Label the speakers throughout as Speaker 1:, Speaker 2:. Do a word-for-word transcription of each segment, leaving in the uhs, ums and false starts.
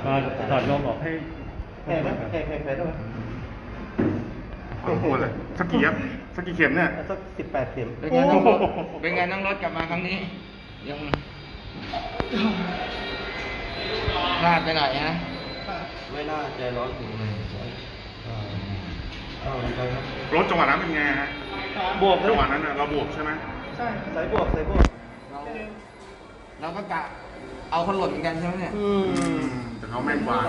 Speaker 1: ก็ถอดลมออกให้
Speaker 2: แข่ไหมแข่แข่แข่ได้ไหม
Speaker 3: สองคนเลยสักกี่เย็บสักกี่เข็มเนี่ย
Speaker 2: สักสิบแปดเข็ม
Speaker 4: เป็นไงน้องรถเป็นไงน้องรถกลับมาครั้งนี้ยังพลาดไปหน่อยฮะ
Speaker 2: ไม่น่าใจร้อนถึงเลย
Speaker 3: รถจังหวะนั้นเป็นไงฮะ
Speaker 2: บวก
Speaker 3: จังหวะนั้นเราบวกใช่ไหม
Speaker 2: ใช่ใส่บวกใส่บวก
Speaker 4: เราเราก็กะเอาคนหล่นเหมือนกันใช่ไหมเนี่ย
Speaker 3: อืมแต่เขาแม่นกว่า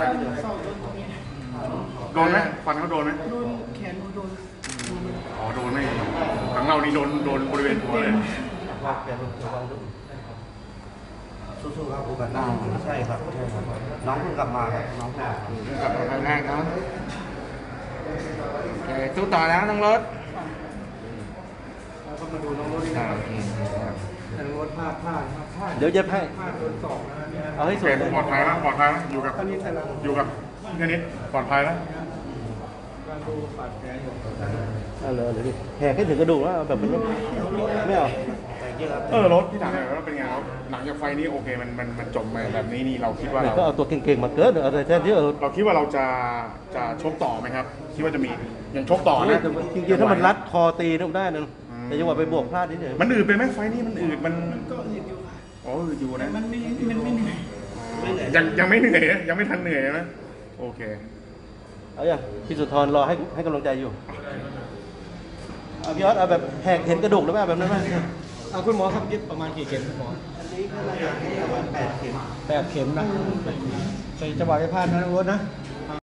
Speaker 3: โดนไหมฟันเขาโดนไหมโดนแขนโดนอ๋อโดนไม่ทั้งเรานี่โดนโดนบริเวณหัวเลย
Speaker 2: ว่าแกระวังด้วยสู้ๆครับโอกาสหน้าใช่ครับใช่ครับน้องเพิ่งกลับมาครับน้องเพิ่งกลับมา
Speaker 4: กลับมาครั้งแรกเนาะโอเคสู้ต่อแล้วน้องรถ
Speaker 2: เราก็มาดูน้องรถดีนะ
Speaker 4: โอเคครับ
Speaker 2: น้องรถพลาดพลาดพลาดเดี๋ยวเย็บให้
Speaker 3: พลาดโดนสองนะ
Speaker 2: เอาให้สวย
Speaker 3: ปลอดภัยแล้วปลอดภัยแล้วอยู่กับอยู่กับพี่คณิตปลอดภัยแล้ว
Speaker 2: การดูบาดแผลอยู่เอาเลยเลยดิแหกให้ถึงกระดูกแล้วแบบมันไม่เอา
Speaker 3: เออรถที่ถามหน่อยว่าเป็นไงครับหลังจากไฟนี้โอเคมันมันมันจบมาแบบนี้นี่เราคิดว่าเรา
Speaker 2: ก็เอาตัวเก่งๆมาเกิดอะไรแท้ที่เออ
Speaker 3: เราคิดว่าเราจะจะชกต่อไหมครับคิดว่าจะมียังชกต่อนะ
Speaker 2: จริงๆถ้ามันรัดคอตีได้นะแต่จังหวะไปบวกพลาดนิดเดียว
Speaker 3: มันอืดไปไหมไฟนี้มันอืดมัน
Speaker 2: ก็อืดอยู่
Speaker 3: อ๋ออืดอยู่นะ
Speaker 2: มันไม่มันไม่เหนื่อย
Speaker 3: ยังยังไม่เหนื่อยนะยังไม่ทันเหนื่อยนะโอเค
Speaker 2: เอาอย่างพี่สุธรรอให้ให้กำลังใจอยู่เอาพี่ออสเอาแบบแหกเห็นกระดูกหรือเปล่าแบบนั้นไหม
Speaker 1: เอาคุณหมอครับเย็บประมาณกี่เข็มคุณหมอ
Speaker 2: อันนี้ก็น่าจะประมาณแปดเข็ม
Speaker 1: แปดเข็มนะใส่จังหวะไปพลาดนะรถนะ